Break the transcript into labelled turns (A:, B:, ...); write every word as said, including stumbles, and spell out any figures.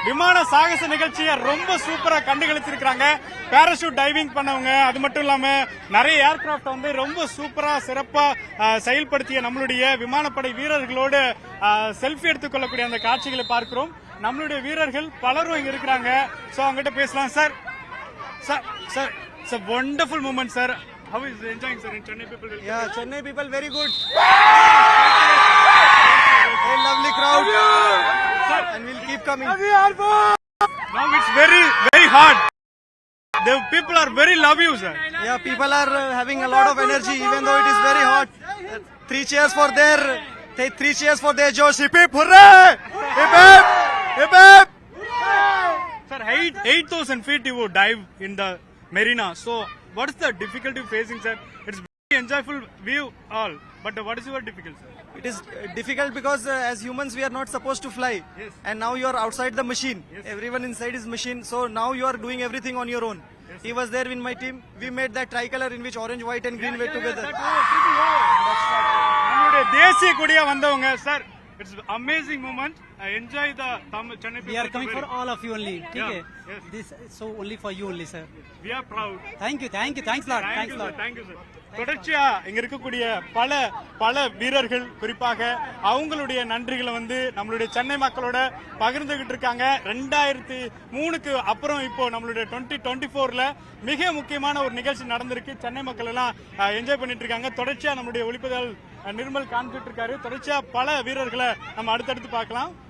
A: விமான சாகச நிகழ்ச்சியை ரொம்ப சூப்பரா கண்டுகளிச்சிருக்காங்க. பேராஷூட் டைவிங் பண்ணவங்க, அது மட்டும் இல்லாம நிறைய ஏர்கிராப்ட் வந்து ரொம்ப சூப்பரா சிறப்பா செயல்படுத்திய நம்மளுடைய விமானப்படை வீரர்களோடு செல்ஃபி எடுத்துக்கொள்ளக்கூடிய அந்த காட்சிகளை பார்க்கிறோம். நம்மளுடைய வீரர்கள் பலரும் இங்க இருக்கிறாங்க. சோ அவங்ககிட்ட பேசலாம். Sir sir sir it's a wonderful moment, sir. How is enjoying, sir, in Chennai people?
B: Yeah, Chennai people very good. Very lovely crowd.
A: Sir,
B: and we'll keep coming.
A: now it's very very hard. The people are very love you, sir.
B: Yeah, people are uh, having a lot of energy even though it is very hot. Uh, three cheers for their th- three cheers for their Josh. Hip hip hooray! Hip hip! Hip hip!
A: Sir, eight eight thousand feet you would dive in the marina. So what is the difficulty facing, sir? It's very enjoyable view all, but what is your difficulty, sir?
B: It is uh, difficult because uh, as humans we are not supposed to fly.
A: Yes.
B: And now you are outside the machine.
A: Yes.
B: Everyone inside is machine. So now you are doing everything on your own.
A: Yes,
B: he was there in my team. We made that tricolor in which orange, white and green were together.
A: நம்மளுடைய தேசிய கொடியா வந்தவங்க sir. It's amazing moment. I enjoy the Chennai people.
C: We are coming for all of you only.
A: Yeah,
C: Okay.
A: yes.
C: This so only for you only, sir.
A: We are proud.
C: Thank you, thank you, thanks a lot,
A: Thank
C: thanks
A: you,
C: a
A: sir.
C: lot.
A: Thank you, sir. தொடர்ச்சியா இங்க இருக்கக்கூடிய பல பல வீரர்கள் குறிப்பாக அவங்களுடைய நன்றிகளை வந்து நம்மளுடைய சென்னை மக்களோட பகிர்ந்துகிட்டு இருக்காங்க. ரெண்டாயிரத்தி மூணுக்கு அப்புறம் இப்போ நம்மளுடைய டுவெண்ட்டி டுவெண்ட்டி போர்ல மிக முக்கியமான ஒரு நிகழ்ச்சி நடந்திருக்கு. சென்னை மக்கள் எல்லாம் என்ஜாய் பண்ணிட்டு இருக்காங்க. தொடர்ச்சியா நம்மளுடைய ஒளிப்பதிவாளர் நிர்மல் காண்பிட்டு இருக்காரு. தொடர்ச்சியா பல வீரர்களை நம்ம அடுத்தடுத்து பார்க்கலாம்.